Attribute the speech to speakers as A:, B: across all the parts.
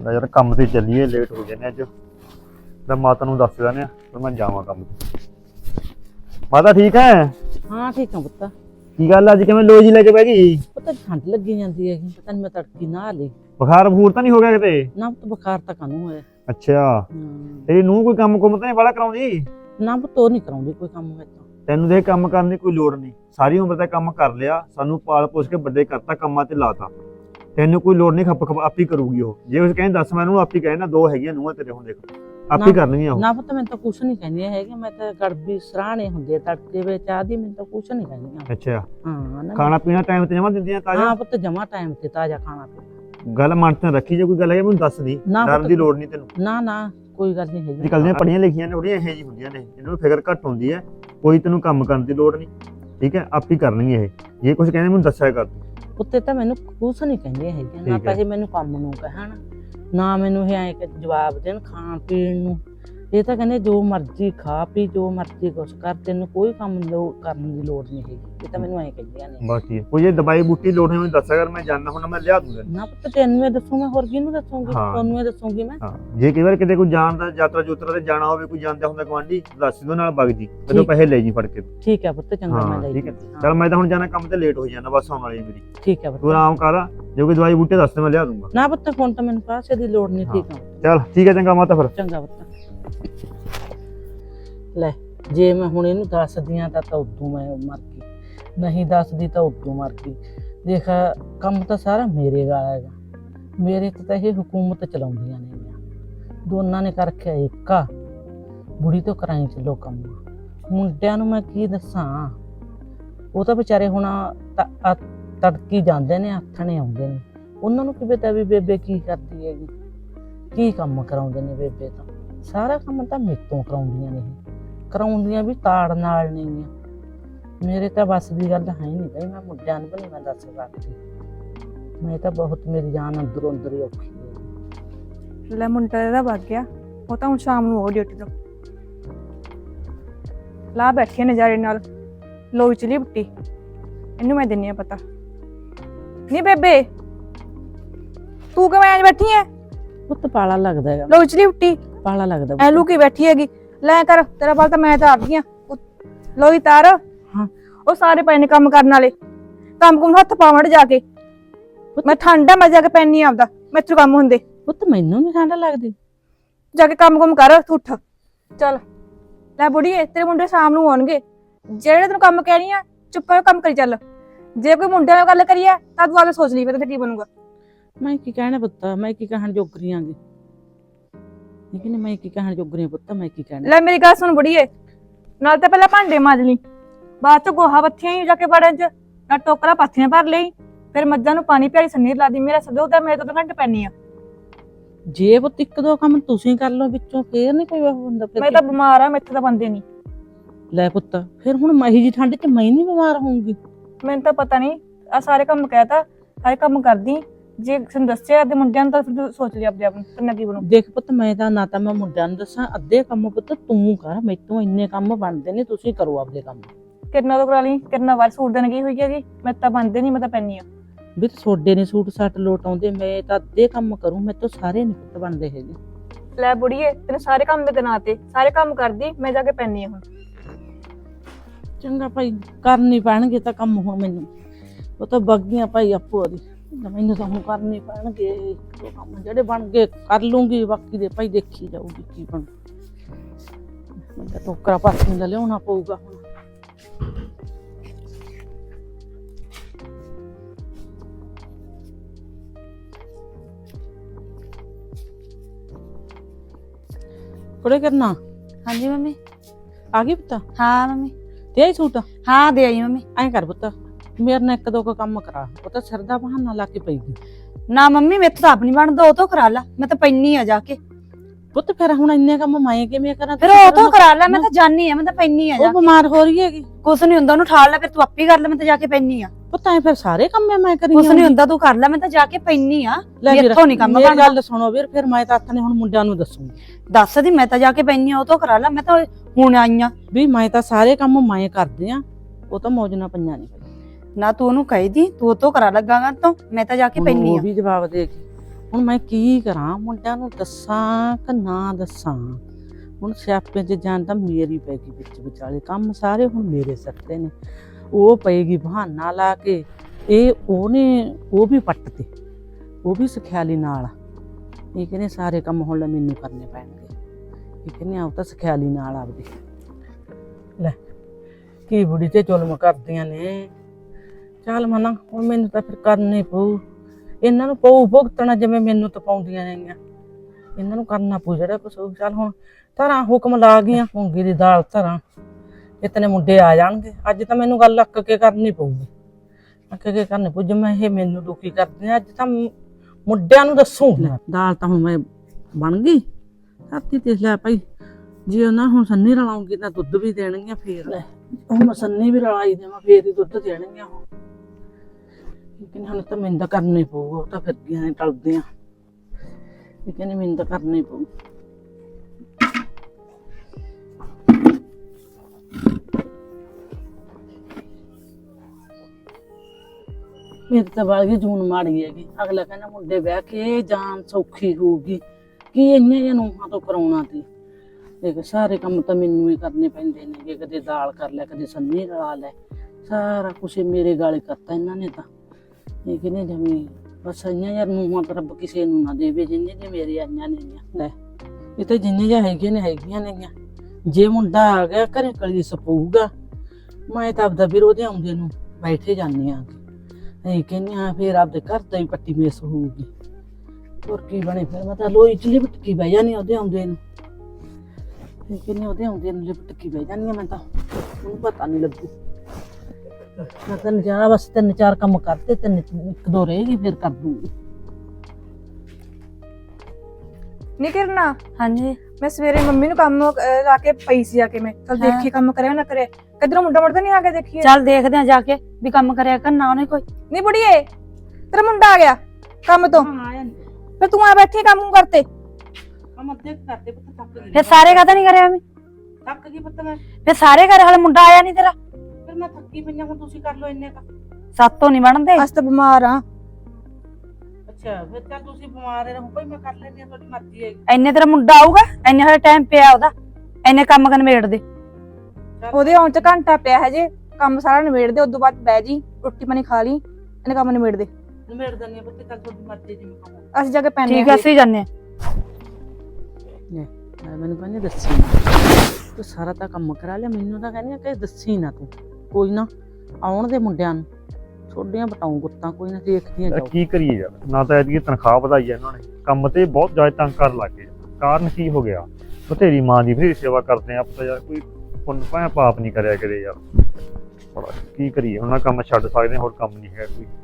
A: यार काम से चलिए लेट हो जाने अज मैं माता ਨੂੰ ਦੱਸ ਦਿੰਦੇ ਆ ਫਿਰ ਮੈਂ ਜਾਵਾਂ ਕੰਮ ਤੇ। ਮਾਤਾ ਠੀਕ ਹੈ?
B: ਹਾਂ ਠੀਕ ਆ ਪੁੱਤ।
A: ਕੀ ਗੱਲ ਅੱਜ ਕਿਵੇਂ ਲੋਜੀ ਲੈ ਕੇ ਬਹਿ ਗਈ?
B: ਪਤਾ ਠੰਡ ਲੱਗੀ ਜਾਂਦੀ ਹੈ ਪਤਾ ਨਹੀਂ ਮੈਂ ਤੜਕੀ ਨਾ ਲਈ।
A: ਬੁਖਾਰ ਬਖੂਰ ਤਾਂ ਨਹੀਂ ਹੋ ਗਿਆ ਕਿਤੇ?
B: ਨਾ ਪੁੱਤ ਬੁਖਾਰ ਤਾਂ ਕਾਹਨੂੰ ਹੋਇਆ।
A: ਅੱਛਾ ਤੇਰੀ ਨੂੰ ਕੋਈ ਕੰਮ ਕੁੰਮ ਤਾਂ ਨਹੀਂ ਬੜਾ ਕਰਾਉਂਦੀ?
B: ਨਾ ਪੁੱਤ ਉਹ ਨਹੀਂ ਕਰਾਉਂਦੀ ਕੋਈ ਕੰਮ ਹੈ ਤਾਂ।
A: ਤੈਨੂੰ ਦੇ ਕੰਮ ਕਰਨ ਦੀ ਕੋਈ ਲੋੜ ਨਹੀਂ, ਸਾਰੀ ਉਮਰ ਦਾ ਕੰਮ ਕਰ ਲਿਆ, ਸਾਨੂੰ ਪਾਲ ਪੋਸ ਕੇ ਵੱਡੇ ਕਰਤਾ, ਕੰਮਾਂ ਤੇ ਲਾਤਾ। ਤੈਨੂੰ ਕੋਈ ਲੋੜ ਨਹੀਂ, ਖੱਪ ਖੱਪ ਆਪੀ ਕਰੂਗੀ ਉਹ। ਜੇ ਉਸ ਕਹਿੰਦੇ ਦੱਸ ਮੈਨੂੰ ਆਪੀ ਕਹੇ ਨਾ, ਦੋ ਹੈਗੀਆਂ ਨੂੰਹਾਂ ਤੇਰੇ ਹੁਣ ਦੇਖ ਆਪੀ ਕਰਨਗੀਆਂ ਉਹ।
B: ਨਾ ਪੁੱਤ ਮੈਂ ਤਾਂ ਕੁਛ ਨਹੀਂ ਕਹਿੰਦੀ ਹੈਗੀ, ਮੈਂ ਤਾਂ ਗੜਬੀ ਸਰਾਣੇ ਹੁੰਦੇ ਤੜਕੇ ਵੇ ਚਾਹ ਦੀ, ਮੈਨੂੰ ਤਾਂ ਕੁਛ ਨਹੀਂ ਕਹਿੰਦੀ।
A: ਅੱਛਾ
B: ਹਾਂ
A: ਖਾਣਾ ਪੀਣਾ ਟਾਈਮ ਤੇ ਜਮਾ ਦਿੰਦੀਆਂ ਤਾਜ਼ਾ?
B: ਹਾਂ ਪੁੱਤ ਜਮਾ ਟਾਈਮ ਤੇ ਤਾਜ਼ਾ ਖਾਣਾ ਪੀਣਾ।
A: ਗੱਲ ਮਨ ਤੇ ਰੱਖੀ, ਜੇ ਕੋਈ ਗੱਲ ਹੈ ਮੈਨੂੰ ਦੱਸ ਦੀ, ਡਰਨ ਦੀ ਲੋੜ ਨਹੀਂ ਤੈਨੂੰ।
B: ਨਾ ਨਾ ਕੋਈ ਗੱਲ ਨਹੀਂ ਹੈਗੀ।
A: ਅੱਜ ਕੱਲ੍ਹ ਦੀਆਂ ਪੜ੍ਹੀਆਂ ਲਿਖੀਆਂ ਨੇ ਥੋੜ੍ਹੀਆਂ ਇਹੋ ਜਿਹੀ ਹੁੰਦੀਆਂ ਨੇ, ਇਹਨਾਂ ਨੂੰ ਫਿਕਰ ਘੱਟ ਹੁੰਦੀ ਹੈ, ਕੋਈ ਤੈਨੂੰ ਕੰਮ ਕਰਨ ਦੀ ਲੋੜ ਨਹੀਂ, ਠੀਕ ਹੈ? ਆਪੀ ਕਰਨਗੇ ਇਹ। ਜੇ ਕੁਝ ਕਹਿੰਦੇ ਮੈਨੂੰ ਦੱਸਿਆ ਕਰ ਤੂੰ।
B: ਉੱਤੇ ਤਾਂ ਮੈਨੂੰ ਕੁਛ ਨਹੀਂ ਕਹਿੰਦੇ ਹੈਗੇ, ਨਾ ਤਾਂ ਇਹ ਮੈਨੂੰ ਕੰਮ ਨੂੰ ਕਹਿਣ, ਨਾ ਮੈਨੂੰ ਇਹ ਐ ਕਿ ਜਵਾਬ ਦੇਣ ਖਾਣ ਪੀਣ ਨੂੰ। ਇਹ ਤਾਂ ਕਹਿੰਦੇ ਜੋ ਮਰਜ਼ੀ ਖਾ ਪੀ, ਜੋ ਮਰਜ਼ੀ ਕੁਛ ਕਰ, ਤੈਨੂੰ ਕੋਈ ਕੰਮ ਕਰਨ ਦੀ ਲੋੜ ਨਹੀਂ ਹੈਗੀ। ਇਹ ਤਾਂ ਮੈਨੂੰ ਐਂ ਕਹਿੰਦੀਆਂ ਨੇ।
A: ਬਸ ਠੀਕ। ਕੋਈ ਜੇ ਦਵਾਈ ਬੂਟੀ ਲੋੜ ਹੈ ਮੈਨੂੰ ਦੱਸਿਆ ਕਰ, ਮੈਂ ਜਾਣਾ ਹੁਣ, ਮੈਂ ਲਿਆ ਦੂੰਗਾ।
B: ਨਾ ਪੁੱਤ ਤੈਨੂੰ ਇਹ ਦੱਸੂ ਮੈਂ, ਹੋਰ ਕਿਹਨੂੰ ਦੱਸੂਗੀ? ਤੁਹਾਨੂੰ ਇਹ ਦੱਸੂਗੀ ਮੈਂ।
A: ਹਾਂ ਜੇ ਕਈ ਵਾਰ ਕਿਤੇ ਕੋਈ ਜਾਣ ਦਾ ਯਾਤਰਾ ਜੂਤਰਾ ਤੇ ਜਾਣਾ ਹੋਵੇ, ਕੋਈ ਜਾਂਦਾ ਹੁੰਦਾ ਗਵਾਂਢੀ, ਦੱਸ ਦੋ ਨਾਲ ਵਗ ਜੀ, ਮੈਨੂੰ ਪੈਸੇ ਲੈ ਜੀ ਫੜ ਕੇ।
B: ਠੀਕ ਹੈ ਪੁੱਤ ਚੰਗਾ, ਮੈਂ ਲੈ
A: ਠੀਕ ਹੈ। ਚਲ ਮੈਂ ਤਾਂ ਹੁਣ ਜਾਣਾ ਕੰਮ ਤੇ, ਲੇਟ ਹੋ ਜਾਣਾ, ਬਸ ਆਉਣ ਵਾਲੀ ਮੇਰੀ।
B: ਠੀਕ ਹੈ ਪੁੱਤ
A: ਤੂੰ ਆਰਾਮ ਕਰ, ਜੇ ਕੋਈ ਦਵਾਈ ਬੂਟੀ ਦੱਸ ਦੇ ਮੈਂ ਲਿਆ ਦੂੰਗਾ।
B: ਨਾ ਪੁੱਤ ਹੁਣ ਤਾਂ ਮੈਨੂੰ ਕਾਸੇ ਦੀ ਲੋੜ ਨਹੀਂ। ਠੀਕ ਹੈ
A: ਚਲ ਠੀਕ ਹੈ, ਚੰਗਾ ਮਾਤਾ ਫਿਰ।
B: ਚੰਗਾ ਪੁੱਤ। ਲੈ ਜੇ ਮੈਂ ਹੁਣ ਇਹਨੂੰ ਦੱਸਦੀ ਆ ਤਾਂ ਉਦੋਂ ਮੈਂ ਮਰ ਗਈ, ਨਹੀਂ ਦੱਸਦੀ ਤਾਂ ਉਦੋਂ ਮਰ ਗਈ। ਦੇਖ ਕੰਮ ਤਾਂ ਸਾਰਾ ਮੇਰੇ ਦਾ ਹੈਗਾ, ਮੇਰੇ ਤੇ ਤਾਂ ਇਹ ਹੁਕੂਮਤ ਚਲਾਉਂਦੀਆਂ ਨੇ, ਦੋਨਾਂ ਨੇ ਕਰ ਰੱਖਿਆ ਏਕਾ। ਬੁੜੀ ਤੋਂ ਕਰਾਈ ਚੱਲੋ ਕੰਮ। ਮੁੰਡਿਆਂ ਨੂੰ ਮੈਂ ਕੀ ਦੱਸਾਂ, ਉਹ ਤਾਂ ਵਿਚਾਰੇ ਹੁਣ ਤੜਕੀ ਜਾਂਦੇ ਨੇ, ਆਥਣੇ ਆਉਂਦੇ ਨੇ, ਉਹਨਾਂ ਨੂੰ ਕੀ ਪਤਾ ਵੀ ਬੇਬੇ ਕੀ ਕਰਦੀ ਹੈਗੀ, ਕੀ ਕੰਮ ਕਰਾਉਂਦੇ ਨੇ। ਬੇਬੇ ਤਾਂ ਸਾਰਾ ਕੰਮ ਤਾਂ ਮੇਰੇ ਤੋਂ ਕਰਾਉਂਦੀਆਂ ਨੇ, ਕਰਾਉਂਦੀਆਂ ਵੀ ਤਾੜ ਨਾਲ ਨਹੀਂ। ਮੇਰੇ ਤਾਂ ਬਸ ਦੀ ਗੱਲ ਹੈ ਨਹੀਂ ਬਈ, ਮੈਂ ਮੁੰਡਿਆਂ ਨੂੰ ਨਹੀਂ ਮੈਂ ਦੱਸ ਸਕਦੀ। ਮੈਂ ਤਾਂ ਬਹੁਤ, ਮੇਰੀ ਜਾਨ ਅੰਦਰੋਂ ਅੰਦਰ ਹੀ ਔਖੀ ਹੈ।
C: ਲੈ ਮੁੰਡਾ ਇਹਦਾ ਵਗ ਗਿਆ, ਉਹ ਤਾਂ ਹੁਣ ਸ਼ਾਮ ਨੂੰ ਆਉ ਡਿਊਟੀ ਤੋਂ। ਲਾ ਬੈਠੀ ਨਜ਼ਾਰੇ ਨਾਲ, ਲੋਈ ਚਲੀ ਬੁੱਟੀ, ਇਹਨੂੰ ਮੈਂ ਦਿੰਨੀ ਆ ਪਤਾ। ਨਹੀਂ ਬੇਬੇ ਤੂੰ ਕਿਵੇਂ ਐਂ ਬੈਠੀ ਐ?
B: ਪੁੱਤ ਪਾਲਾ ਲੱਗਦਾ ਹੈਗਾ।
C: ਲੋਈ ਚਲੀ ਬੁੱਟੀ
B: ਪਾਲਾ ਲੱਗਦਾ
C: ਐ ਲੁਕੀ ਬੈਠੀ ਹੈਗੀ। ਲੈ ਕਰ ਤੇਰਾ ਬਾਲ ਤਾਂ ਮੈਂ ਤਾਂ ਆ ਗਈ ਆ। ਲੋਈ ਤਾਰ।
B: ਹਾਂ
C: ਉਹ ਸਾਰੇ ਪਏ ਨੇ ਕੰਮ ਕਰਨ ਵਾਲੇ, ਕੰਮ ਕੁਮ ਹੱਥ ਪਾਵੜ ਜਾ ਕੇ। ਮੈਂ ਠੰਡਾ ਮੈਂ ਜਾ ਕੇ ਪੈਣੀ ਆਪਦਾ, ਮੈਥੋਂ ਕੰਮ ਹੁੰਦੇ।
B: ਪੁੱਤ ਮੈਨੂੰ ਨੀ ਠੰਡ ਲੱਗਦੀ,
C: ਜਾ ਕੇ ਕੰਮ ਕੁਮ ਕਰ, ਉੱਠ ਚੱਲ। ਲੈ ਬੁੜੀਏ ਤੇਰੇ ਮੁੰਡੇ ਸ਼ਾਮ ਨੂੰ ਆਉਣਗੇ, ਜਿਹੜੇ ਤੈਨੂੰ ਕੰਮ ਕਹਿਣੀ ਆ ਚੁੱਪ ਕਰ ਕੰਮ ਕਰੀ ਚੱਲ। ਜੇ ਕੋਈ ਮੁੰਡਿਆਂ ਨਾਲ ਗੱਲ ਕਰੀ ਆ ਤਾਂ ਤੂੰ ਆਲੇ ਸੋਚ ਲਈ ਪਤਾ ਕੀ ਬਣੂਗਾ।
B: ਮੈਂ ਕੀ ਕਹਿਣਾ ਪੁੱਤ, ਮੈਂ ਕੀ ਕਹਿਣ ਜੋਗਰੀਆਂਗੀ, ਲੇਕਿਨ ਮੈਂ ਕੀ ਕਹਿਣ ਜੋਗਰੀ ਪੁੱਤ, ਮੈਂ ਕੀ ਕਹਿਣਾ।
C: ਲੈ ਮੇਰੀ ਗੱਲ ਸੁਣ ਬੁੜੀਏ, ਨਾਲ ਤਾਂ ਪਹਿਲਾਂ ਭਾਂਡੇ ਮਾਂਜ ਲਈ, ਬਾਅਦ ਚ ਗੋਹਾ ਬੱਥੀਆਂ ਹੀ ਜਾ ਕੇ ਬੜਾਂ ਚ ਨਾ ਟੋਕਰਾ ਪਾਥੀਆਂ ਭਰ ਲਈ, ਫਿਰ ਮੱਝਾਂ ਨੂੰ ਪਾਣੀ ਪਿਆਈ ਸੰਨੀਰ ਲਾ ਦੀ। ਮੇਰਾ ਸਦੋ ਤਾਂ ਮੈਂ ਤਾਂ ਘੰਟੇ ਪੈਣੀ ਆ।
B: ਜੇ ਪੁੱਤ ਇੱਕ ਦੋ ਕੰਮ ਤੁਸੀਂ ਕਰ ਲਓ ਵਿੱਚੋਂ, ਫੇਰ ਨੀ ਕੋਈ ਹੁੰਦਾ।
C: ਮੈਂ ਤਾਂ ਬਿਮਾਰ ਆ, ਮੈਥੋਂ ਤਾਂ ਬੰਦੇ ਨਹੀਂ।
B: ਲੈ ਪੁੱਤ ਫਿਰ ਹੁਣ ਮਹੀ ਜੀ ਠੰਡ ਚ ਮੈਂ ਨਹੀਂ ਬਿਮਾਰ ਹੋਊਂਗੀ?
C: ਮੈਨੂੰ ਤਾਂ ਪਤਾ ਨਹੀਂ, ਆ ਸਾਰੇ ਕੰਮ ਕਹਿਤਾ, ਸਾਰੇ ਕੰਮ ਕਰਦੀ। ਜੇ ਤੈਨੂੰ ਦੱਸਿਆ ਤੇ ਮੁੰਡਿਆਂ ਨੂੰ ਤਾਂ ਫਿਰ ਸੋਚ ਲਈ ਆਪਣੇ ਆਪ ਨੂੰ ਕਿੰਨਾ ਕੀ ਬਣੂ।
B: ਦੇਖ ਪੁੱਤ ਮੈਂ ਤਾਂ ਨਾ ਤਾਂ ਮੈਂ ਮੁੰਡਿਆਂ ਨੂੰ ਦੱਸਾਂ, ਅੱਧੇ ਕੰਮ ਪੁੱਤ ਤੂੰ ਕਰ, ਮੈਥੋਂ ਇੰਨੇ ਕੰਮ ਬਣਦੇ ਨੇ, ਤੁਸੀਂ ਕਰੋ ਆਪਦੇ ਕੰਮ।
C: ਕਿਰਨਾ ਤੋਂ ਕਰਾ ਲਈ, ਕਿਰਨਾ ਵਾਰ ਸੂਟ ਦੇਣ ਗਈ ਹੋਈ ਹੈਗੀ, ਮੈਂ ਤਾਂ ਬੰਦੇ ਨਹੀਂ, ਮੈਂ ਤਾਂ ਪੈਣੀ ਆ।
B: ਵੀ ਤੁਹਾਡੇ ਨੇ ਸੂਟ ਸੱਟ ਲੋਟ ਆਉਂਦੇ, ਮੈਂ ਤਾਂ ਅੱਧੇ ਕੰਮ ਕਰੂੰ, ਮੈਥੋਂ ਸਾਰੇ ਨਹੀਂ ਪੁੱਤ ਬਣਦੇ ਹੈਗੇ।
C: ਲੈ ਬੁੜੀਏ ਤੈਨੂੰ ਸਾਰੇ ਕੰਮ ਦੇ ਨਾਂ ਤੇ ਸਾਰੇ ਕੰਮ ਕਰਦੀ, ਮੈਂ ਜਾ ਕੇ ਪੈਣੀ ਆ ਹੁਣ।
B: ਚੰਗਾ ਭਾਈ ਕਰਨੀ ਪੈਣਗੇ ਤਾਂ ਕੰਮ ਹੁਣ ਮੈਨੂੰ, ਉਹ ਤਾਂ ਬੱਗੀਆਂ ਭਾਈ ਆਪੋ ਉਹਦੀ, ਮੈਨੂੰ ਤਾਂ ਹੁਣ ਕਰਨੀ ਪੈਣਗੇ। ਇੱਕ ਦੋ ਕੰਮ ਜਿਹੜੇ ਬਣ ਗਏ ਕਰ ਲੂੰਗੀ, ਬਾਕੀ ਦੇ ਭਾਈ ਦੇਖੀ ਜਾਊਗੀ ਕੀ ਬਣ। ਮੈਨੂੰ ਤਾਂ ਟੋਕਰਾ ਪਾਸੇ ਦਾ ਲਿਆਉਣਾ ਪਊਗਾ ਹੁਣ। ਕੁੜੇ ਕਰਨਾ
C: ਹਾਂਜੀ ਮੰਮੀ।
B: ਆ ਗਈ ਪੁੱਤ?
C: ਹਾਂ ਮੰਮੀ।
B: ਤੇ ਆਈ ਸੂਟ?
C: ਹਾਂ ਦੇ ਆਈ ਮੰਮੀ।
B: ਐਂ ਕਰ ਪੁੱਤ, ਮੇਰੇ ਨਾਲ ਇੱਕ ਦੋ ਕੰਮ ਕਰਾ, ਉਹ ਤਾਂ ਸਿਰ ਦਾ ਬਹਾਨਾ ਲਾ ਕੇ ਪਈ ਗਈ।
C: ਨਾ ਮੰਮੀ ਮੇਰੇ ਤੋਂ ਆਪ ਨਹੀਂ ਬਣਦਾ, ਉਹ ਤੋਂ ਕਰਾ ਲਾ, ਮੈਂ ਤਾਂ ਪੈਣੀ ਆ ਜਾ ਕੇ।
B: ਪੁੱਤ ਫਿਰ ਹੁਣ ਇੰਨੇ ਕੰਮ ਮੈਂ ਕਿਵੇਂ ਕਰਾਂ?
C: ਫਿਰ ਉਹ ਤੋਂ ਕਰਾ ਲੈ, ਮੈਂ ਤਾਂ ਜਾਣੀ ਆ, ਮੈਂ ਤਾਂ ਪੈਣੀ ਆ ਜਾ।
B: ਉਹ ਬਿਮਾਰ ਹੋ ਰਹੀ ਹੈਗੀ।
C: ਕੁਛ ਨਹੀਂ ਹੁੰਦਾ, ਉਹਨੂੰ ਠਾਲ ਲੈ, ਫਿਰ ਤੂੰ ਆਪੇ ਕਰ ਲੈ, ਮੈਂ ਤਾਂ ਜਾ ਕੇ ਪੈਣੀ ਆ।
B: ਪੁੱਤ ਐ ਫਿਰ ਸਾਰੇ ਕੰਮ ਮੈਂ ਕਰੀ?
C: ਕੁਛ ਨਹੀਂ ਹੁੰਦਾ, ਤੂੰ ਕਰ ਲੈ, ਮੈਂ ਤਾਂ ਜਾ ਕੇ ਪੈਣੀ ਆ। ਇੱਥੋਂ ਨਹੀਂ ਕੰਮ
B: ਮੇਰੀ ਗੱਲ ਸੁਣੋ ਵੀਰ, ਫਿਰ ਮੈਂ ਤਾਂ ਆਥਣੇ ਹੁਣ ਮੁੰਡਿਆਂ ਨੂੰ ਦੱਸੂਗੀ।
C: ਦੱਸ ਦੀ, ਮੈਂ ਤਾਂ ਜਾ ਕੇ ਪੈਣੀ ਆ, ਉਹ ਤੋਂ ਕਰਾ ਲੈ, ਮੈਂ ਤਾਂ ਹੁਣ ਆਈ ਆ।
B: ਵੀ ਮੈਂ ਤਾਂ ਸਾਰੇ ਕੰਮ ਮੈਂ ਕਰਦੀ ਆ, ਉਹ ਤਾਂ ਮੌਜ ਨਾਲ ਪਈਆਂ ਨਹੀਂ।
C: ਨਾ ਤੂੰ ਉਹਨੂੰ ਕਹਿ ਦੀ, ਤੂੰ ਉਹ ਤੋਂ ਕਰਾ ਲੱਗਾਗਾ ਤੋਂ, ਮੈਂ ਤਾਂ ਜਾ ਕੇ ਪੈਣੀ
B: ਉਹ
C: ਆ।
B: ਵੀ ਜਵਾਬ ਦੇ ਗਈ, ਹੁਣ ਮੈਂ ਕੀ ਕਰਾਂ, ਮੁੰਡਿਆਂ ਨੂੰ ਦੱਸਾਂ ਕਿ ਨਾ ਦੱਸਾਂ। ਹੁਣ ਸਿਆਪੇ 'ਚ ਜਾਣ ਤਾਂ ਮੇਰੀ ਪੈ ਗਈ ਵਿੱਚ ਵਿਚਾਲੇ, ਕੰਮ ਸਾਰੇ ਹੁਣ ਮੇਰੇ ਸਿਰ ਤੇ ਨੇ। ਉਹ ਪਏਗੀ ਬਹਾਨਾ ਲਾ ਕੇ, ਉਹ ਵੀ ਪੱਟ ਤੇ, ਉਹ ਵੀ ਸਿਖਿਆਲੀ ਨਾਲ। ਇਹ ਕਹਿੰਦੇ ਸਾਰੇ ਕੰਮ ਹੁਣ ਲੈ ਮੈਨੂੰ ਕਰਨੇ ਪੈਣਗੇ। ਇਹ ਕਹਿੰਦੇ ਆਪ ਤਾਂ ਸਿਖਿਆਲੀ ਨਾਲ ਆਪਦੀ। ਲੈ ਕੀ ਬੁੜੀ ਤੇ ਜ਼ੁਲਮ ਕਰਦੀਆਂ ਨੇ। ਚੱਲ ਮਨਾ ਹੁਣ ਮੈਨੂੰ ਤਾਂ ਫਿਰ ਕਰਨੀ ਪਊ, ਇਹਨਾਂ ਨੂੰ ਪਊ ਭੁਗਤਣਾ ਜਿਵੇਂ ਮੈਨੂੰ ਤਾਂ ਪਾਉਂਦੀਆਂ ਨੇਗੀਆਂ। ਇਹਨਾਂ ਨੂੰ ਕਰਨਾ ਪਊ ਜਿਹੜਾ ਕੁਛ ਹੋਊ। ਚੱਲ ਹੁਣ ਧਰਾਂ ਹੁਕਮ ਲਾ ਗਈਆਂ, ਮੂੰਗੀ ਦੀ ਦਾਲ ਧਰਾਂ, ਇਤਨੇ ਮੁੰਡੇ ਆ ਜਾਣਗੇ। ਅੱਜ ਤਾਂ ਮੈਨੂੰ ਗੱਲ ਅੱਕ ਕੇ ਕਰਨੀ ਪਊਗੀ, ਅੱਕ ਕੇ ਕਰਨੀ ਪਊ। ਜਿਵੇਂ ਇਹ ਮੈਨੂੰ ਦੁਖੀ ਕਰਦੀਆਂ, ਅੱਜ ਤਾਂ ਮੁੰਡਿਆਂ ਨੂੰ ਦੱਸੂ। ਦਾਲ ਤਾਂ ਹੁਣ ਮੈਂ ਬਣ ਗਈ ਰਾਤੀ ਤੇ ਲੈ ਭਾਈ, ਜੇ ਉਹਨਾਂ ਹੁਣ ਸੰਨੀ ਰਲਾਉਂਗੀ ਤਾਂ ਦੁੱਧ ਵੀ ਦੇਣਗੀਆਂ। ਫੇਰ ਹੁਣ ਮੈਂ ਸੰਨੀ ਵੀ ਰਲਾਈ ਦੇਵਾਂ, ਫੇਰ ਹੀ ਦੁੱਧ ਦੇਣਗੀਆਂ। ਉਹ ਲੇਕਿਨ ਹੁਣ ਤਾਂ ਮੈਨੂੰ ਤਾਂ ਕਰਨਾ ਹੀ ਪਊਗਾ। ਉਹ ਤਾਂ ਫਿਰਦੀਆਂ ਨੇ ਟਲਦੀਆਂ, ਲੇਕਿਨ ਮੈਨੂੰ ਤਾਂ ਕਰਨਾ ਹੀ ਪਊ। ਮੇਰੇ ਤਾਂ ਵਾਲੀ ਜੂਨ ਮਾੜੀ ਹੈਗੀ। ਅਗਲਾ ਕਹਿੰਦਾ ਮੁੰਡੇ ਵਿਆਹ ਕੇ ਜਾਨ ਸੌਖੀ ਹੋਊਗੀ, ਕੀ ਇੰਨੇ ਜਿਹੇ ਨੂੰਹਾਂ ਤੋਂ ਕਰਾਉਣਾ ਤੀ। ਦੇਖ ਸਾਰੇ ਕੰਮ ਤਾਂ ਮੈਨੂੰ ਹੀ ਕਰਨੇ ਪੈਂਦੇ ਨੇ। ਕਦੇ ਦਾਲ ਕਰ ਲੈ, ਕਦੇ ਸੰਨੀ ਰਲਾ ਲੈ, ਸਾਰਾ ਕੁਛ ਮੇਰੇ ਗਾਲੇ ਕਰਤਾ ਇਹਨਾਂ ਨੇ ਤਾਂ। ਇਹ ਕਹਿੰਦੇ ਜਮੀ ਬਸ ਆਈਆਂ ਯਾਰ ਨੂੰਹਾਂ ਤਾਂ ਰੱਬ ਕਿਸੇ ਨੂੰ ਨਾ ਦੇਵੇ ਜਿੰਨੇ ਜੇ ਮੇਰੇ ਆਈਆਂ ਨੇ। ਲੈ ਇਹ ਤਾਂ ਜਿੰਨੇ ਜਿਹਾ ਹੈਗੀਆਂ ਨੇ ਹੈਗੀਆਂ ਨੇਗੀਆਂ। ਜੇ ਮੁੰਡਾ ਆ ਗਿਆ ਘਰੇ ਕਲੇਸ਼ ਪਊਗਾ, ਮੈਂ ਤਾਂ ਆਪਦਾ ਵਿਰੋਧ ਆਉਂਦੇ ਨੂੰ ਬੈਠੇ ਜਾਂਦੇ ਆ। ਇਹ ਕਹਿੰਦੇ ਆ ਫਿਰ ਆਪਦੇ ਘਰ ਦਾ ਹੀ ਪੱਟੀ ਮੇਸ ਹੋਊਗੀ। ਹੋਰ ਕੀ ਬਣੇ ਫਿਰ, ਮੈਂ ਤਾਂ ਲੋਈ ਚ ਲਿਪਟ ਕੇ ਬਹਿ ਜਾਨੀ ਉਹਦੇ ਆਉਂਦੇ ਨੂੰ। ਇਹ ਕਹਿੰਦੇ ਉਹਦੇ ਆਉਂਦੇ ਨੂੰ ਲਿਪਟ ਕੇ ਬਹਿ ਜਾਨੀ ਆ ਮੈਂ ਤਾਂ, ਮੈਨੂੰ ਪਤਾ ਨਹੀਂ ਲੱਗੂ। ਮੈਂ ਤਾਂ ਜਾਣਾ ਬਸ 3-4 ਕੰਮ ਕਰਤੇ, ਇੱਕ ਦੋ ਰਹੇਗੀ ਫਿਰ ਕਰ ਦੂੰਗੀ।
C: ਨਹੀਂ ਕਰਨਾ।
D: ਹਾਂਜੀ
C: ਮੈਂ ਸਵੇਰੇ ਮੰਮੀ ਨੂੰ ਕੰਮ ਲਾ ਕੇ ਪਈ ਸੀ, ਆ ਕੇ ਮੈਂ ਚਲ
D: ਹਾਂ।
C: ਦੇਖੀ ਕੰਮ ਕਰਿਆ ਨਾ ਕਰੇ, ਕਿਧਰੋਂ ਮੁੰਡਾ ਮੁੜਦਾ ਨਹੀਂ ਆ ਕੇ ਦੇਖੀਏ।
D: ਚੱਲ ਦੇਖਦੇ ਆ ਜਾ ਕੇ ਵੀ ਕੰਮ ਕਰਿਆ ਕਰਨਾ ਉਹਨੇ ਕੋਈ।
C: ਨਹੀਂ ਬੁੜੀਏ, ਤੇਰਾ ਮੁੰਡਾ ਆ ਗਿਆ ਕੰਮ ਤੋਂ,
B: ਆਇਆ ਨੀ
C: ਫਿਰ ਤੂੰ ਆ ਬੈਠੀ ਕੰਮ ਕਰਤੇ।
B: ਕੰਮ ਅੱਧੇ ਕਰਦੇ ਪੁੱਤ, ਥੱਕ ਗਈ।
D: ਫਿਰ ਸਾਰੇ ਕਾਹਦਾ ਨਹੀਂ ਕਰਿਆ ਮੈਂ,
B: ਥੱਕ ਗਈ ਪੁੱਤ ਮੈਂ,
D: ਫਿਰ ਸਾਰੇ ਘਰ ਹਾਲੇ ਮੁੰਡਾ ਆਇਆ ਨਹੀਂ ਤੇਰਾ।
B: ਫਿਰ ਮੈਂ ਥੱਕੀ ਪਈਆਂ। ਹੁਣ ਤੁਸੀਂ ਕਰ ਲਓ ਇੰਨੇ ਕ।
D: ਸਾਤੋਂ ਨਹੀਂ ਬਣਦੇ।
C: ਅਸ ਤਾਂ ਬਿਮਾਰ ਆ।
B: ਅੱਛਾ ਫਿਰ ਚੱਲ ਤੁਸੀਂ ਬਿਮਾਰ ਰਹੋ ਭਾਈ, ਮੈਂ ਕਰ ਲੈਂਦੀ ਆ, ਤੁਹਾਡੀ ਮਰਜ਼ੀ ਹੈ।
D: ਐਨੇ ਤੇਰਾ ਮੁੰਡਾ ਆਊਗਾ, ਐਨੇ ਹਾਲੇ ਟਾਈਮ ਪਿਆ ਉਹਦਾ, ਐਨੇ ਕੰਮ ਨਿਬੇੜ ਦੇ।
C: ਉਹਦੇ ਆਉਣ ਚ ਘੰਟਾ ਪਿਆ ਹਜੇ, ਕੰਮ ਸਾਰਾ ਨਿਬੇੜ ਦੇ, ਉਦੋਂ ਬਾਅਦ ਬਹਿ ਜੀ, ਰੋਟੀ ਪਾਣੀ ਖਾ ਲਈ, ਇਹਨੇ ਕੰਮ ਨਿਬੇੜ ਦੇ।
B: ਨਿਬੇੜ ਦਿੰਦੀ ਆ ਪੁੱਤ, ਚੱਲ ਤੁਹਾਡੀ ਮਰਜ਼ੀ ਜਿਵੇਂ ਕਹੋ।
C: ਅਸੀਂ ਜਾ ਕੇ ਪੈਣੇ
D: ਠੀਕ ਹੈ ਅਸੀਂ ਜਾਂਦੇ ਆ।
B: ਮੈਨੂੰ ਕਹਿੰਦੀ ਦੱਸੀ ਤੂੰ ਸਾਰਾ ਤਾਂ ਕੰਮ ਕਰਾ ਲਿਆ, ਮੈਨੂੰ ਤਾਂ ਕਹਿੰਦੀ ਕਿ ਦੱਸੀ ਨਾ ਤੂੰ। ਕੋਈ ਨਾ ਆਉਣ ਦੇ ਮੁੰਡਿਆਂ ਨੂੰ, ਛੋਡੀਆਂ ਬਟਾਉਂ ਗੁੱਤਾਂ, ਕੋਈ ਨਾ ਦੇਖਦੀਆਂ ਜਾਓ।
A: ਕੀ ਕਰੀਏ ਯਾਰ, ਨਾ ਤਾਂ ਇਹਦੀ ਤਨਖਾਹ ਵਧਾਈ ਹੈ ਇਹਨਾਂ ਨੇ, ਕੰਮ ਤੇ ਬਹੁਤ ਜ਼ਿਆਦਾ ਤੰਗ ਕਰਨ ਲੱਗ ਗਏ। ਕਾਰਨ ਕੀ ਹੋ ਗਿਆ? ਬਥੇਰੀ ਮਾਂ ਦੀ ਬਥੇਰੀ ਸੇਵਾ ਕਰਦੇ ਆ ਆਪਾਂ ਯਾਰ, ਕੋਈ ਪੁੰਨ ਭਾਵੇਂ ਪਾਪ ਨਹੀਂ ਕਰਿਆ ਕਰੇ ਯਾਰ। ਬੜਾ ਕੀ ਕਰੀਏ ਹੁਣ, ਨਾ ਕੰਮ ਛੱਡ ਸਕਦੇ, ਹੋਰ ਕੰਮ ਨਹੀਂ ਹੈ ਕੋਈ।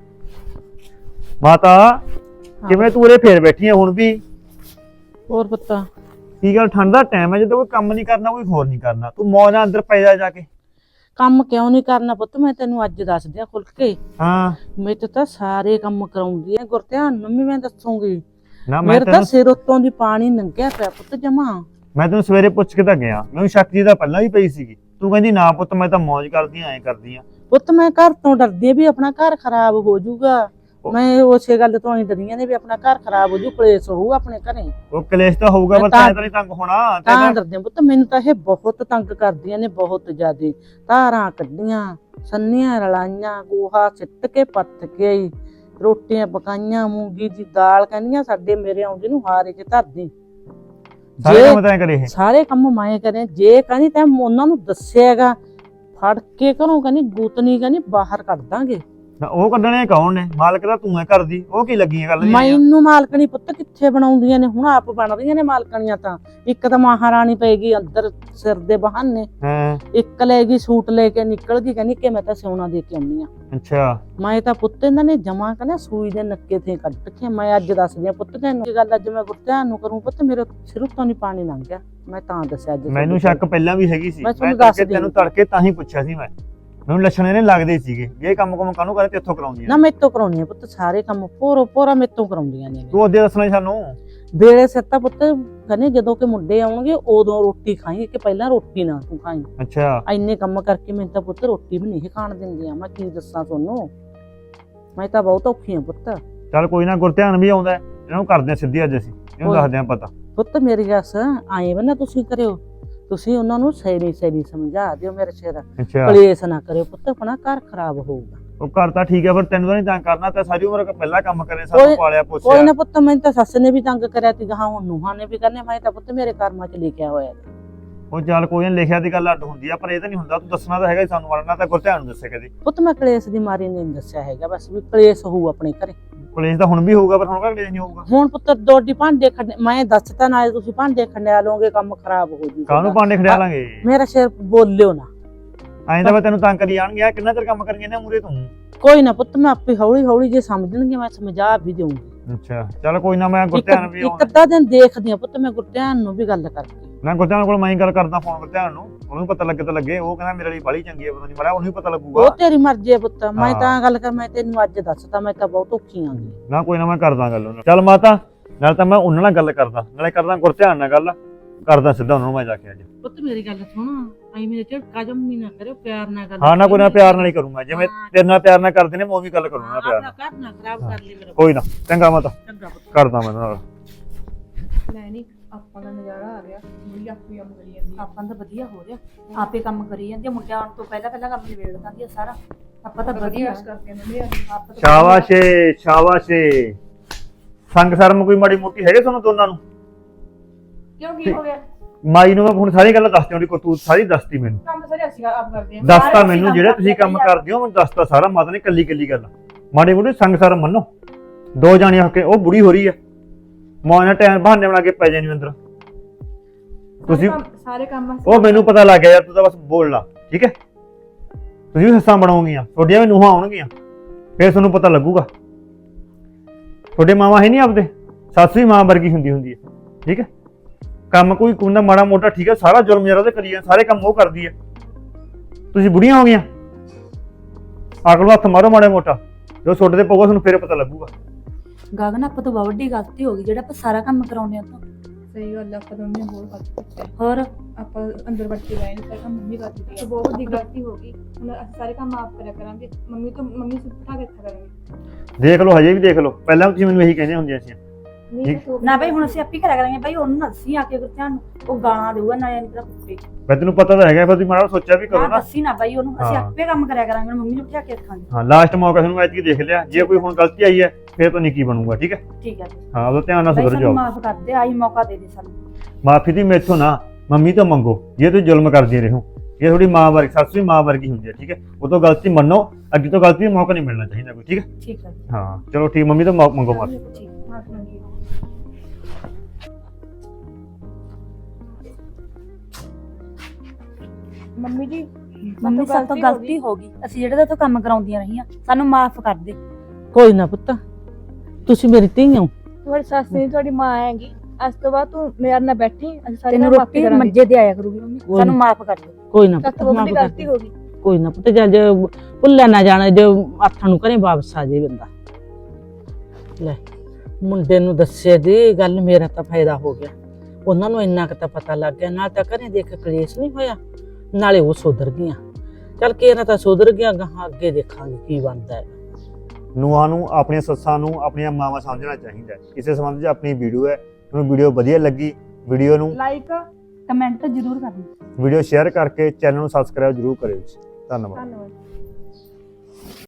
A: ਮਾਤਾ ਕਿਵੇਂ ਤੂੰ ਉਰੇ ਫੇਰ ਬੈਠੀ ਆ ਹੁਣ ਵੀ?
B: ਹੋਰ ਪੁੱਤਾ
A: ਕੀ ਗੱਲ, ਠੰਡ ਦਾ ਟਾਈਮ ਹੈ, ਜਦੋਂ ਕੋਈ ਕੰਮ ਨਹੀਂ ਕਰਨਾ ਕੋਈ ਹੋਰ ਨਹੀਂ ਕਰਨਾ, ਤੂੰ ਮੌਜ ਨਾਲ ਅੰਦਰ ਪੈ ਜਾ ਕੇ।
B: ਕੰਮ ਕਿਉਂ ਨਹੀਂ ਕਰਨਾ ਪੁੱਤ, ਮੈਂ ਤੈਨੂੰ ਅੱਜ ਦੱਸ ਦਿਆਂ ਖੁੱਲ ਕੇ।
A: ਹਾਂ
B: ਮੇਰੇ ਤਾਂ ਸਾਰੇ ਕੰਮ ਕਰਾਉਂਦੀ ਐ ਗੁਰਧਿਆਨ ਨੂੰ ਵੀ, ਮੈਂ ਦੱਸੂਗੀ।
A: ਨਾ
B: ਮੇਰੇ ਤਾਂ ਸਿਰ ਉੱਤੋਂ ਦੀ ਪਾਣੀ ਲੰਘਿਆ ਪਿਆ ਪੁੱਤ ਜਮਾ।
A: ਮੈਂ ਤੈਨੂੰ ਸਵੇਰੇ ਪੁੱਛ ਕੇ ਤਾਂ ਗਿਆ, ਮੈਨੂੰ ਸ਼ੱਕ ਜੀ ਦਾ ਪਹਿਲਾਂ ਵੀ ਪਈ ਸੀਗੀ। ਤੂੰ ਕਹਿੰਦੀ ਨਾ ਪੁੱਤ ਮੈਂ ਤਾਂ ਮੌਜ ਕਰਦੀ ਐ ਕਰਦੀ ਆ।
B: ਪੁੱਤ ਮੈਂ ਘਰ ਤੋਂ ਡਰਦੀ ਆ ਵੀ ਆਪਣਾ ਘਰ ਖਰਾਬ ਹੋ ਜਾਊਗਾ। ਮੈਂ ਉਸੇ ਗੱਲ ਤੋਂ ਹੀ ਡਰੀਆਂ ਨੇ ਵੀ ਆਪਣਾ ਘਰ ਖਰਾਬ ਹੋ ਜੂ, ਕਲੇਸ਼ ਹੋਊ ਆਪਣੇ ਘਰੇ।
A: ਉਹ ਕਲੇਸ਼ ਤਾਂ ਹੋਊਗਾ, ਪਰ ਤੈਨੂੰ ਤਾਂ ਨਹੀਂ ਤੰਗ ਹੋਣਾ।
B: ਤਾਂ ਡਰਦੇ ਆ ਪੁੱਤ, ਮੈਨੂੰ ਤਾਂ ਇਹ ਬਹੁਤ ਤੰਗ ਕਰਦੀਆਂ ਨੇ, ਬਹੁਤ ਜ਼ਿਆਦੇ। ਧਾਰਾਂ ਕੱਢੀਆਂ, ਸੰਨੀਆਂ ਰਲਾਈਆਂ, ਗੋਹਾ ਸਿੱਟ ਕੇ ਪੱਥ ਕੇ, ਰੋਟੀਆਂ ਪਕਾਈਆਂ, ਮੂੰਗੀ ਦੀ ਦਾਲ, ਕਹਿੰਦੀਆਂ ਸਾਡੇ ਮੇਰੇ ਆਉਂਦੇ ਨੂੰ ਹਾਰੇ ਚ ਧਰਦੀ।
A: ਸਾਰੇ ਕੰਮ ਤੈਂ ਕਰੇ ਇਹ?
B: ਸਾਰੇ ਕੰਮ ਮੈਂ ਕਰੇ। ਜੇ ਕਹਿੰਦੀ ਤੈਂ ਉਹਨਾਂ ਨੂੰ ਦੱਸਿਆਗਾ, ਫੜ ਕੇ ਘਰੋਂ ਕਹਿੰਦੀ ਗੂਤਨੀ ਕਹਿੰਦੀ ਬਾਹਰ ਕੱਢ ਦਾਂਗੇ।
A: ਨਾ ਉਹ ਕੱਢਣੇ ਕੌਣ ਨੇ? ਮਾਲਕ ਤਾਂ ਤੂੰ ਐ ਕਰਦੀ, ਉਹ ਕੀ ਲੱਗੀਆਂ ਗੱਲ ਦੀਆਂ?
B: ਮੈਨੂੰ ਮਾਲਕਣੀ ਪੁੱਤ ਕਿੱਥੇ ਬਣਾਉਂਦੀਆਂ ਨੇ, ਹੁਣ ਆਪ ਬਣਦੀਆਂ ਨੇ ਮਾਲਕਣੀਆਂ। ਤਾਂ ਇੱਕ ਤਾਂ ਮਹਾਰਾਣੀ ਪਏਗੀ ਅੰਦਰ ਸਿਰ ਦੇ ਬਹਾਨੇ,
A: ਹਾਂ
B: ਇੱਕ ਲੈ ਗਈ ਸੂਟ ਲੈ ਕੇ ਨਿਕਲ ਗਈ, ਕਹਿੰਦੀ ਕਿ ਮੈਂ ਤਾਂ ਸਿਉਣਾ ਦੇ ਕੇ ਆਉਣੀ ਆ।
A: ਅੱਛਾ
B: ਮੈਂ ਤਾਂ ਪੁੱਤ ਇਹਨਾਂ ਨੇ ਜਮਾ ਕਹਿੰਦਾ ਸੂਈ ਦੇ ਨੱਕੇ ਤੇ ਕੱਢ ਕੇ। ਮੈਂ ਅੱਜ ਦੱਸਦੀ ਆ ਪੁੱਤ ਤੈਨੂੰ ਇਹ ਗੱਲ, ਅੱਜ ਮੈਂ ਗੁਰਧਿਆਨ ਨੂੰ ਕਰੂੰ ਪੁੱਤ, ਮੇਰੇ ਸਿਰ ਉੱਤੋਂ ਨਹੀਂ ਪਾਣੀ ਲੰਘ ਗਿਆ। ਮੈਂ ਤਾਂ ਦੱਸਿਆ ਅੱਜ
A: ਮੈਨੂੰ ਸ਼ੱਕ ਪਹਿਲਾਂ ਵੀ ਹੈਗੀ ਸੀ,
B: ਮੈਂ
A: ਮੈਂ
B: ਤੁਹਾਨੂੰ ਦੱਸ
A: ਤੈਨੂੰ ਤੜਕੇ ਤਾਂ ਹੀ ਪੁੱਛਿਆ ਸੀ। ਮੈਨੂੰ ਲੱਛਣ ਇਹਨੇ ਲੱਗਦੇ ਸੀਗੇ ਵੀ ਇਹ ਕੰਮ ਕਾਹਨੂੰ ਕਰੇ ਤੇ ਇੱਥੋਂ ਕਰਾਉਂਦੀਆਂ
B: ਨਾ। ਮੇਰੇ ਤੋਂ ਕਰਾਉਣੀ ਆ ਪੁੱਤ ਸਾਰੇ ਕੰਮ, ਪੂਰਾ ਮੇਰੇ ਤੋਂ ਕਰਾਉਂਦੀਆਂ ਨੇ।
A: ਤੂੰ ਉਹਦੇ ਦੱਸਣਾ ਸੀ ਸਾਨੂੰ।
B: ਵੇਲੇ ਸਿਰ ਤਾਂ ਪੁੱਤ ਕਹਿੰਦੇ ਜਦੋਂ ਕਿ ਮੁੰਡੇ ਆਉਣਗੇ ਉਦੋਂ ਰੋਟੀ ਖਾਈ, ਕਿ ਪਹਿਲਾਂ ਰੋਟੀ ਨਾ ਤੂੰ ਖਾਈ।
A: ਅੱਛਾ
B: ਇੰਨੇ ਕੰਮ ਕਰਕੇ ਮੈਨੂੰ ਤਾਂ ਪੁੱਤ ਰੋਟੀ ਵੀ ਨਹੀਂ ਖਾਣ ਦਿੰਦੀਆਂ। ਮੈਂ ਕੀ ਦੱਸਾਂ ਤੁਹਾਨੂੰ, ਮੈਂ ਤਾਂ ਬਹੁਤ ਔਖੀ ਆ ਪੁੱਤ।
A: ਚੱਲ ਕੋਈ ਨਾ, ਗੁਰਧਿਆਨ ਵੀ ਆਉਂਦਾ ਇਹਨਾਂ ਨੂੰ ਕਰਦੇ ਆ ਸਿੱਧੀ ਅੱਜ ਅਸੀਂ ਇਹਨੂੰ
B: ਕੋਈ-
A: ਦੱਸਦੇ ਆ ਪਤਾ।
B: ਪੁੱਤ ਮੇਰੀ ਗੱਲ ਆਏ ਬਣਾ ਤੁਸੀਂ ਕਰਿਓ, ਤੁਸੀਂ ਉਹਨਾਂ ਨੂੰ ਸਹੀ ਸਮਝਾ ਦਿਓ ਮੇਰੇ ਸਿਰ
A: ਅੱਛਾ
B: ਕਲੇਸ਼ ਨਾ ਕਰਿਓ ਪੁੱਤ, ਆਪਣਾ ਘਰ ਖਰਾਬ ਹੋਊਗਾ।
A: ਉਹ ਘਰ ਤਾਂ ਠੀਕ ਹੈ ਪਰ ਤੈਨੂੰ ਤਾਂ ਨਹੀਂ ਤੰਗ ਕਰਨਾ, ਤਾਂ ਸਾਰੀ ਉਮਰ ਪਹਿਲਾਂ ਕੰਮ ਕਰੇ ਸਾਨੂੰ
B: ਕੋਈ-
A: ਪਾਲਿਆ
B: ਕੋਈ
A: ਪੋਸਿਆ।
B: ਨਾ ਪੁੱਤ, ਮੈਨੂੰ ਤਾਂ ਸੱਸ ਨੇ ਵੀ ਤੰਗ ਕਰਿਆ ਤੀ, ਗਾਹਾਂ ਹੁਣ ਨੂੰਹਾਂ ਨੇ ਵੀ ਕਰਨੇ, ਮੈਂ ਤਾਂ ਪੁੱਤ ਮੇਰੇ ਕਰਮਾਂ 'ਚ ਲਿਖਿਆ ਹੋਇਆ।
A: ਉਹ ਚੱਲ ਕੋਈ ਨਾ, ਲਿਖਿਆ ਦੀ ਗੱਲ ਅੱਡ ਹੁੰਦੀ ਆ ਪਰ ਇਹ ਤਾਂ ਨਹੀਂ ਹੁੰਦਾ, ਤੂੰ ਦੱਸਣਾ ਤਾਂ ਹੈਗਾ ਹੀ ਸਾਨੂੰ, ਵੜਨਾ ਤਾਂ ਗੁਰਧਿਆਨ ਨੂੰ ਦੱਸੇ ਕਦੇ।
B: ਪੁੱਤ ਮੈਂ ਕਲੇਸ਼ ਦੀ ਮਾਰੀ ਨਹੀਂ ਦੱਸਿਆ ਹੈਗਾ, ਬਸ ਵੀ ਕਲੇਸ਼ ਹੋਊ ਆਪਣੇ ਘਰੇ।
A: ਕਲੇਸ਼ ਤਾਂ ਹੁਣ ਵੀ ਹੋਊਗਾ ਪਰ ਹੁਣ ਕਦੇ ਨਹੀਂ ਹੋਊਗਾ।
B: ਹੁਣ ਪੁੱਤ ਦੋਡੀ ਭਾਂਡੇ ਖੰਡੇ, ਮੈਂ ਦੱਸਤਾ ਨਾ ਤੁਸੀਂ ਭਾਂਡੇ ਖੰਡਿਆ ਲਓਗੇ, ਕੰਮ ਖਰਾਬ ਹੋ ਜੂ।
A: ਕਾਹਨੂੰ ਭਾਂਡੇ ਖੜਿਆ ਲਾਂਗੇ,
B: ਮੇਰਾ ਸਿਰ ਬੋਲਿਓ ਨਾ।
A: ਐਂ ਤਾਂ ਮੈਂ ਤੈਨੂੰ ਤੰਗ ਕਰੀ ਜਾਣਗੇ, ਕਿੰਨਾ ਚਿਰ ਕੰਮ ਕਰੀਏ ਨਾ ਮੂਰੇ ਤੂੰ।
B: ਕੋਈ ਨਾ ਪੁੱਤ, ਮੈਂ ਆਪੇ ਹੌਲੀ ਹੌਲੀ ਜੇ ਸਮਝਣਗੇ ਮੈਂ ਸਮਝਾ ਵੀ ਦੇਵਾਂਗੀ।
A: ਅੱਛਾ ਚੱਲ ਕੋਈ ਨਾ, ਮੈਂ ਗੁਰਧਿਆਨ ਵੀ
B: ਇੱਕ ਅੱਧਾ ਦਿਨ ਦੇਖਦੀ ਆ ਪੁੱਤ, ਮੈਂ ਗੁਰਧਿਆਨ ਨੂੰ ਵੀ ਗੱਲ ਕਰਕੇ।
A: ਮੈਂ ਗੁਰਧਿਆਨ ਕੋਲ ਮੈਂ ਹੀ ਗੱਲ ਕਰਦਾ ਫੋਨ ਗੁਰਧਿਆਨ ਨੂੰ, ਉਹਨੂੰ ਪਤਾ ਲੱਗੇ ਤਾਂ ਲੱਗੇ। ਉਹ ਕਹਿੰਦਾ ਮੇਰੇ ਲਈ ਬਾਲੀ ਚੰਗੀ ਹੈ, ਪਤਾ ਨਹੀਂ ਬੜਾ ਉਹਨੂੰ ਵੀ ਪਤਾ ਲੱਗੂਗਾ।
B: ਉਹ ਤੇਰੀ ਮਰਜ਼ੀ ਹੈ ਪੁੱਤ, ਮੈਂ
A: ਹਾਂ।
B: ਤਾਂ ਗੱਲ ਕਰ, ਮੈਂ ਤੈਨੂੰ ਅੱਜ ਦੱਸਤਾ, ਮੈਂ ਤਾਂ ਬਹੁਤ ਔਖੀ ਆਂਗੀ।
A: ਨਾ ਕੋਈ ਨਾ, ਮੈਂ ਕਰਦਾ ਗੱਲ ਉਹਨੂੰ। ਚੱਲ ਮਾਤਾ, ਨਾਲ ਤਾਂ ਮੈਂ ਉਹਨਾਂ ਨਾਲ ਗੱਲ ਕਰਦਾ, ਨਾਲੇ ਕਰਦਾ ਗੁਰਧਿਆਨ ਨਾਲ ਗੱਲ ਕਰਦਾ ਸਿੱਧਾ ਉਹਨਾਂ ਨੂੰ ਮੈਂ ਜਾ ਕੇ ਅੱਜ।
B: ਪੁੱਤ ਮੇਰੀ ਗੱਲ ਸੁਣ, ਆਈ ਮੇਰੇ ਝਟਕਾ ਜੰਮੀ ਨਾ ਕਰਿਓ, ਪਿਆਰ ਨਾਲ ਗੱਲ
A: ਹਾਂ ਨਾ ਕੋਈ ਨਾ, ਪਿਆਰ ਨਾਲ ਹੀ ਕਰੂੰਗਾ, ਜਿਵੇਂ ਤੇਰੇ ਨਾਲ ਪਿਆਰ ਨਾਲ ਕਰਦੇ ਨੇ ਮੈਂ ਉਹ ਵੀ ਗੱਲ ਕਰੂੰਗਾ ਪਿਆਰ ਨਾਲ।
B: ਘਰ ਨਾ ਖਰਾਬ ਕਰ ਲਈ ਮੇਰਾ।
A: ਕੋਈ ਨਾ, ਚੰਗਾ ਮਾਤਾ,
B: ਚੰਗਾ ਪੁੱਤ।
A: ਕਰਦਾ ਮੈਂ ਨਾਲ।
C: ਲੈ ਨਹੀਂ, ਆਪਾਂ ਦਾ ਨਜ਼ਾਰਾ ਆ ਗਿਆ, ਮੁੜੀ ਆਪੇ ਕੰਮ ਕਰੀ ਜਾਂਦੀ ਆ।
D: ਆਪਾਂ ਤਾਂ ਵਧੀਆ ਹੋ ਰਿਹਾ, ਆਪੇ ਕੰਮ ਕਰੀ ਜਾਂਦੀ ਆ, ਮੁੰਡਿਆਂ ਆਉਣ ਤੋਂ ਪਹਿਲਾਂ ਕੰਮ ਨਿਬੇੜ ਦਿੰਦੀ ਆ ਸਾਰਾ। ਆਪਾਂ ਤਾਂ ਵਧੀਆ
C: ਕਰਕੇ ਮੰਮੀ ਆ।
D: ਆਪਾਂ ਤਾਂ
A: ਸ਼ਾਬਾਸ਼ ਏ, ਸ਼ਾਬਾਸ਼ ਏ। ਸੰਗ ਸ਼ਰਮ ਕੋਈ ਮਾੜੀ ਮੋਟੀ ਹੈਗੇ ਤੁਹਾਨੂੰ ਦੋਨਾਂ ਨੂੰ?
C: ਕਿਉਂ ਕੀ ਹੋ ਗਿਆ?
A: ਮਾਈ ਨੂੰ ਮੈਂ ਹੁਣ ਸਾਰੀ ਗੱਲਾਂ ਦੱਸਤੀ, ਉਹਦੀ ਕਰਤੂਤ ਸਾਰੀ ਦੱਸਤੀ ਮੈਨੂੰ।
C: ਕੰਮ ਸਾਰੇ ਅਸੀਂ ਆਪ ਕਰਦੇ ਆ।
A: ਦੱਸਤਾ
D: ਸਾਰੇ
A: ਮੈਨੂੰ,
D: ਕੰਮ
A: ਜਿਹੜੇ ਤੁਸੀਂ ਕੰਮ
D: ਕਰਦੇ ਆ।
A: ਕਰਦੇ ਹੋ ਮੈਨੂੰ ਦੱਸਤਾ ਸਾਰਾ। ਮਾਤਾ ਨੇ ਕੱਲੀ ਕੱਲੀ ਗੱਲ ਮਾੜੀ ਮੋਟੀ ਸੰਗ ਸ਼ਰਮ ਮੰਨੋ। ਦੋ ਜਾਣੇ ਹੋ ਕੇ ਉਹ ਬੁੜੀ ਹੋ ਰਹੀ ਹੈ, ਮਾਂ ਨਾਲ ਟਾਈਮ ਬਹਾਨੇ ਬਣਾ ਕੇ ਪੈ ਜਾਣੀ ਅੰਦਰ। ਤੁਸੀਂ
C: ਸਾਰੇ ਕੰਮ ਅਸੀਂ
A: ਉਹ ਮੈਨੂੰ ਪਤਾ ਲੱਗ ਗਿਆ ਯਾਰ, ਤੂੰ ਤਾਂ ਬਸ ਬੋਲ ਲਾ, ਠੀਕ ਹੈ? ਤੁਸੀਂ ਵੀ ਸੱਸਾਂ ਬਣਾਉਂਗੀਆਂ, ਤੁਹਾਡੀਆਂ ਵੀ ਨੂੰਹਾਂ ਆਉਣਗੀਆਂ, ਫਿਰ ਤੁਹਾਨੂੰ ਪਤਾ ਲੱਗੂਗਾ। ਤੁਹਾਡੇ ਮਾਵਾਂ ਹੈ ਨਹੀਂ ਆਪਦੇ, ਸੱਸ ਵੀ ਮਾਂ ਵਰਗੀ ਹੁੰਦੀ ਹੈ, ਠੀਕ ਹੈ? ਕੰਮ ਕੋਈ ਕੁੰਦਾ ਮਾੜਾ ਮੋਟਾ ਠੀਕ ਹੈ, ਸਾਰਾ ਜ਼ੁਲਮ ਜਰਾ ਉਹਦੇ ਕਰੀ ਜਾਂਦਾ, ਸਾਰੇ ਕੰਮ ਉਹ ਕਰਦੀ ਹੈ। ਤੁਸੀਂ ਬੁੜੀਆਂ ਹੋ ਗਈਆਂ, ਅਕਲ ਨੂੰ ਹੱਥ ਮਾਰੋ ਮਾੜਾ ਮੋਟਾ, ਜੋ ਤੁਹਾਡੇ ਤੇ ਪਊਗਾ ਤੁਹਾਨੂੰ ਫਿਰ ਪਤਾ ਲੱਗੂਗਾ।
D: ਗਗਨ, ਆਪਾਂ ਤੋਂ ਬਹੁਤ ਵੱਡੀ ਗਲਤੀ ਹੋ ਗਈ ਜਿਹੜਾ ਆਪਾਂ ਸਾਰਾ ਕੰਮ ਕਰਾਉਂਦੇ ਆ। ਤਾਂ
C: ਸਹੀ ਗੱਲ ਆ, ਆਪਾਂ ਦੋਨੇ ਬਹੁਤ ਗਲਤੀ ਕੀਤੀ।
D: ਹੋਰ
C: ਆਪਾਂ ਅੰਦਰ ਵੜ ਕੇ ਬੈਠੇ ਸਾਰੇ ਕੰਮ ਮੰਮੀ ਕਰਦੀ ਸੀ, ਬਹੁਤ ਵੱਡੀ ਗਲਤੀ ਹੋ ਗਈ। ਹੁਣ ਅਸੀਂ ਸਾਰੇ ਕੰਮ ਆਪ ਕਰਿਆ ਕਰਾਂਗੇ, ਮੰਮੀ ਸਿਰ ਬਿਠਾ ਕੇ ਰੱਖਿਆ ਕਰਾਂਗੇ।
A: ਦੇਖ ਲਓ, ਹਜੇ ਵੀ ਦੇਖ ਲਓ, ਪਹਿਲਾਂ ਵੀ ਤੁਸੀਂ ਮੈਨੂੰ ਇਹੀ ਕਹਿੰਦੇ ਹੁੰਦੀਆਂ ਸੀ।
D: ਨਾ ਬਈ, ਹੁਣ ਅਸੀਂ ਆਪੇ ਕਰਿਆ ਕਰਾਂਗੇ ਬਈ, ਉਹਨੂੰ ਨਾ ਦੱਸੀ ਆ ਕੇ ਗੁਰਧਿਆਨ ਨੂੰ, ਉਹ ਗਾਲਾਂ ਦੇਊਗਾ ਨਾ ਇਹਨੂੰ ਤਾਂ ਕੁੱਤੇ।
A: ਮੈਂ ਤੈਨੂੰ ਪਤਾ ਤਾਂ ਹੈਗਾ, ਪਰ ਤੁਸੀਂ ਮਾੜਾ ਸੋਚਿਆ ਵੀ ਕਰੋ
D: ਨਾ
A: ਨਾ।
D: ਦੱਸੀ ਨਾ ਬਈ ਉਹਨੂੰ, ਅਸੀਂ
A: ਹਾਂ।
D: ਆਪੇ ਕੰਮ ਕਰਿਆ ਕਰਾਂਗੇ, ਮੰਮੀ ਨੂੰ ਬਿਠਾ ਕੇ ਰੱਖਾਂਗੇ।
A: ਹਾਂ, ਲਾਸਟ ਮੌਕਾ ਤੁਹਾਨੂੰ ਐਤਕੀ ਦੇਖ ਲਿਆ, ਜੇ ਕੋਈ ਹੁਣ ਗਲਤੀ ਆਈ ਹੈ ਫਿਰ ਤਾਂ ਨਹੀਂ ਕੀ ਬਣੂਗਾ, ਠੀਕ ਹੈ?
D: ਠੀਕ ਹੈ
A: ਹਾਂ, ਉਹਦਾ ਧਿਆਨ ਨਾਲ
D: ਬਈ,
A: ਸੁਧਰ
D: ਸਾਨੂੰ
A: ਜਾਓ।
D: ਮਾਫ ਕਰ ਦੇ, ਆਹੀ ਮੌਕਾ ਦੇ ਦੇ ਸਾਨੂੰ।
A: ਮਾਫੀ ਦੀ ਮੈਥੋਂ ਨਾ, ਮੰਮੀ ਤੋਂ ਮੰਗੋ, ਜੇ ਤੁਸੀਂ ਜ਼ੁਲਮ ਕਰਦੇ ਰਹੋ। ਇਹ ਥੋੜੀ ਮਾਂ ਵਰਗੀ, ਸੱਸ ਵੀ ਮਾਂ ਵਰਗੀ ਹੁੰਦੀ ਹੈ, ਠੀਕ ਹੈ? ਉਹ ਤੋਂ ਗਲਤੀ ਮੰਨੋ, ਅੱਗੇ ਤੋਂ ਗਲਤੀ ਦਾ ਮੌਕਾ ਨਹੀਂ ਮਿਲਣਾ ਚਾਹੀਦਾ ਕੋਈ, ਠੀਕ ਹੈ?
D: ਠੀਕ ਹੈ
A: ਹਾਂ ਚਲੋ ਠੀਕ, ਮੰਮੀ ਤੋਂ ਮੰਗੋ ਮਾਫੀ।
D: ਠੀਕ।
C: ਮਾਫੀ ਮੰਗੀ। ਮੰਮੀ ਜੀ,
D: ਮੰਮੀ ਸਾਡੇ ਤੋਂ ਗਲਤੀ ਹੋ ਗਈ, ਅਸੀਂ ਜਿਹੜੇ ਤੋਂ ਕੰਮ ਕਰਾਉਂਦੀਆਂ ਰਹੀਆਂ, ਸਾਨੂੰ ਮਾਫ ਕਰ ਦੇ।
B: ਕੋਈ ਨਾ ਪੁੱਤ, ਤੁਸੀਂ ਮੇਰੀ ਧੀ ਹੋ।
C: ਤੁਹਾਡੀ ਸੱਸ ਨਹੀਂ, ਤੁਹਾਡੀ ਮਾਂ ਹੈਗੀ। ਅੱਜ ਤੋਂ ਬਾਅਦ ਤੂੰ ਮੇਰੇ ਨਾਲ ਬੈਠੀ, ਅਸੀਂ ਸਾਰੇ
D: ਤੈਨੂੰ
C: ਕੰਮ ਆਪੇ
D: ਰੋਟੀ
C: ਕਰਾਂਗੇ।
D: ਮੰਜੇ ਤੇ ਆਇਆ ਕਰੂਗੀ ਮੰਮੀ,
B: ਕੋਈ
D: ਸਾਨੂੰ
B: ਨੀ।
D: ਮਾਫ ਕਰ ਦੇ।
B: ਕੋਈ ਨਾ
C: ਤਾਂ
B: ਪੁੱਤ,
C: ਤੋਂ
B: ਮਾਫ਼
C: ਵੱਡੀ
B: ਕਰ
C: ਗਲਤੀ
B: ਦਿਓ।
C: ਹੋ ਗਈ।
B: ਕੋਈ ਨਾ ਪੁੱਤ, ਜਦ ਭੁੱਲਿਆ ਨਾ ਜਾਣਾ, ਜੋ ਹੱਥਾਂ ਨੂੰ ਘਰੇ ਵਾਪਸ ਆ ਜੇ ਬੰਦਾ। ਲੈ, ਮੁੰਡੇ ਨੂੰ ਦੱਸੇ ਦੀ ਗੱਲ, ਮੇਰਾ ਤਾਂ ਫਾਇਦਾ ਹੋ ਗਿਆ। ਉਹਨਾਂ ਨੂੰ ਇੰਨਾ ਕੁ ਤਾਂ ਪਤਾ ਲੱਗ ਗਿਆ, ਨਾਲ ਤਾਂ ਘਰੇ ਦੇਖ ਕਲੇਸ਼ ਨਹੀਂ ਹੋਇਆ, ਨਾਲੇ ਉਹ ਸੁਧਰ ਗਈਆਂ। ਚੱਲ ਕੇ ਇਹਨਾਂ ਤਾਂ ਸੁਧਰ ਗਿਆ, ਗਾਹਾਂ ਅੱਗੇ ਦੇਖਾਂਗੇ ਕੀ ਬਣਦਾ ਹੈ।
A: ਨੂੰਹਾਂ ਨੂੰ ਆਪਣੀਆਂ ਸੱਸਾਂ ਨੂੰ ਆਪਣੀਆਂ ਮਾਵਾਂ ਸਮਝਣਾ ਚਾਹੀਦਾ ਹੈ। ਇਸੇ ਸੰਬੰਧ 'ਚ ਆਪਣੀ ਵੀਡੀਓ ਹੈ, ਤੁਹਾਨੂੰ ਵੀਡੀਓ ਵਧੀਆ ਲੱਗੀ, ਵੀਡੀਓ ਨੂੰ
C: ਲਾਈਕ,
D: ਕਮੈਂਟ ਜ਼ਰੂਰ ਕਰਨਾ।
A: ਵੀਡੀਓ ਸ਼ੇਅਰ ਕਰਕੇ ਚੈਨਲ ਨੂੰ ਸਬਸਕ੍ਰਾਈਬ ਜ਼ਰੂਰ ਕਰਿਓ ਜੀ। ਧੰਨਵਾਦ।
C: ਧੰਨਵਾਦ।